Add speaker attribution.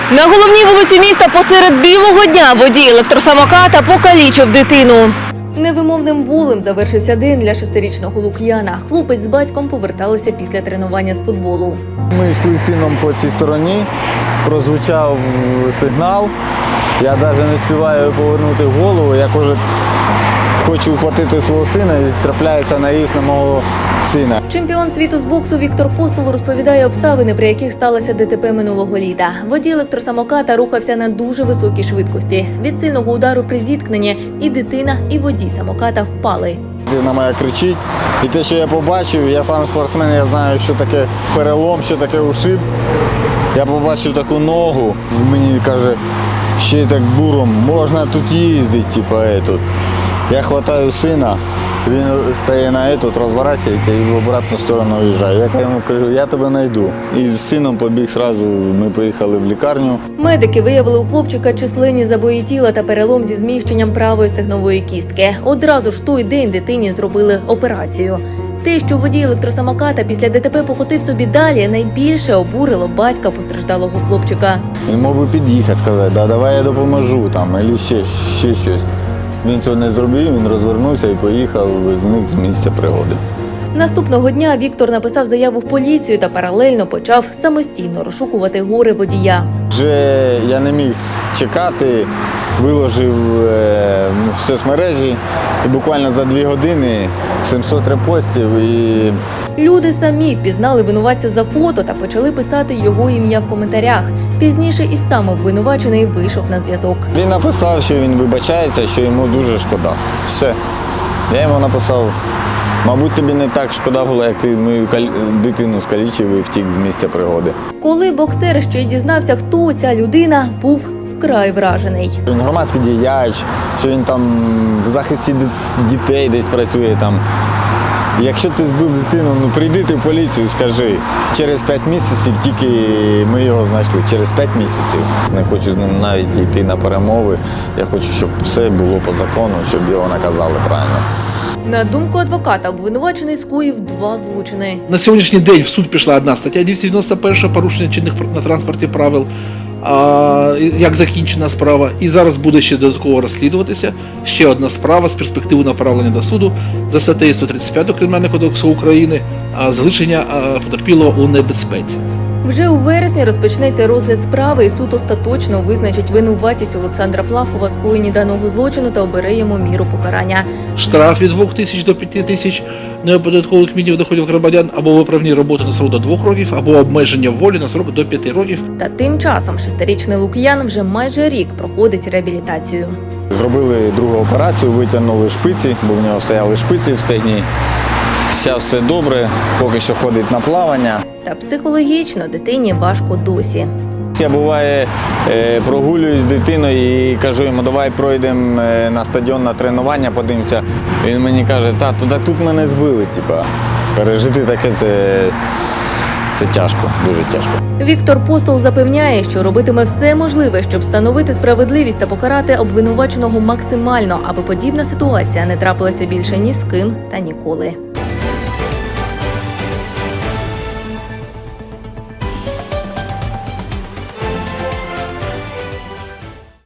Speaker 1: На головній вулиці міста посеред білого дня водій електросамоката покалічив дитину. Невимовним болем завершився день для 6-річного Лук'яна. Хлопець з батьком поверталися після тренування з футболу.
Speaker 2: Ми йшли з сином по цій стороні, прозвучав сигнал. Я навіть не встигаю повернути голову, як уже хочу ухватити свого сина і трапляється наїзд на мого сина.
Speaker 1: Чемпіон світу з боксу Віктор Постол розповідає обставини, при яких сталося ДТП минулого літа. Водій електросамоката рухався на дуже високій швидкості. Від сильного удару при зіткненні і дитина, і водій самоката впали.
Speaker 2: Дитина моя кричить. І те, що я побачив, я сам спортсмен, я знаю, що таке перелом, що таке ушиб. Я побачив таку ногу, мені каже, ще й так буром, можна тут їздити, типу, етот. Я хватаю сина, він стає на етот, розворачується і в обратну сторону виїжджає. Я йому кажу, я тебе знайду. І з сином побіг одразу, ми поїхали в лікарню.
Speaker 1: Медики виявили у хлопчика численні забої тіла та перелом зі зміщенням правої стегнової кістки. Одразу ж в той день дитині зробили операцію. Те, що водій електросамоката після ДТП покотив собі далі, найбільше обурило батька постраждалого хлопчика.
Speaker 2: Він мог би під'їхати, сказати, да, давай я допоможу, там, або ще щось. Він цього не зробив, він розвернувся і поїхав, зник з місця пригоди.
Speaker 1: Наступного дня Віктор написав заяву в поліцію та паралельно почав самостійно розшукувати горе водія.
Speaker 2: Вже я не міг чекати, виложив в соцмережі і буквально за 2 години 700 репостів. І
Speaker 1: Люди самі впізнали винуватця за фото та почали писати його ім'я в коментарях. Пізніше і сам обвинувачений вийшов на зв'язок.
Speaker 2: він написав, що він вибачається, що йому дуже шкода. Все. Я йому написав, мабуть, тобі не так шкода було, як ти мою дитину скалічив і втік з місця пригоди.
Speaker 1: Коли боксер ще й дізнався, хто ця людина, був вкрай вражений.
Speaker 2: Він громадський діяч, що він там в захисті дітей десь працює там. Якщо ти збив дитину, ну прийди ти в поліцію, скажи. Через 5 місяців тільки ми його знайшли, через 5 місяців. Не хочу з ним навіть йти на перемови. Я хочу, щоб все було по закону, щоб його наказали правильно.
Speaker 1: На думку адвоката, обвинувачений скоїв 2 злочини.
Speaker 3: На сьогоднішній день в суд пішла одна стаття 291 порушення чинних на транспорті правил, як закінчена справа. І зараз буде ще додатково розслідуватися ще одна справа з перспективою направлення до суду за статтею 135 Кримінального кодексу України залишення потерпілого у небезпеці.
Speaker 1: Вже у вересні розпочнеться розгляд справи, і суд остаточно визначить винуватість Олександра Плахова в скоєнні даного злочину та обере йому міру покарання.
Speaker 3: Штраф від 2 тисяч до 5 тисяч неоподаткованих мінімумів доходів громадян або виправні роботи на срок до 2 років, або обмеження волі на срок до 5 років.
Speaker 1: Та тим часом 6-річний Лук'ян вже майже рік проходить реабілітацію.
Speaker 2: Зробили другу операцію, витягнули шпиці, бо в нього стояли шпиці в стегні. Зараз все добре, поки що ходить на плавання.
Speaker 1: Та психологічно дитині важко досі.
Speaker 2: Я буває прогулююсь з дитиною і кажу йому, давай пройдемо на стадіон на тренування, подивимося. Він мені каже, тату, так тут мене збили. Типа, пережити таке це тяжко, дуже тяжко.
Speaker 1: Віктор Постол запевняє, що робитиме все можливе, щоб встановити справедливість та покарати обвинуваченого максимально, аби подібна ситуація не трапилася більше ні з ким та ніколи.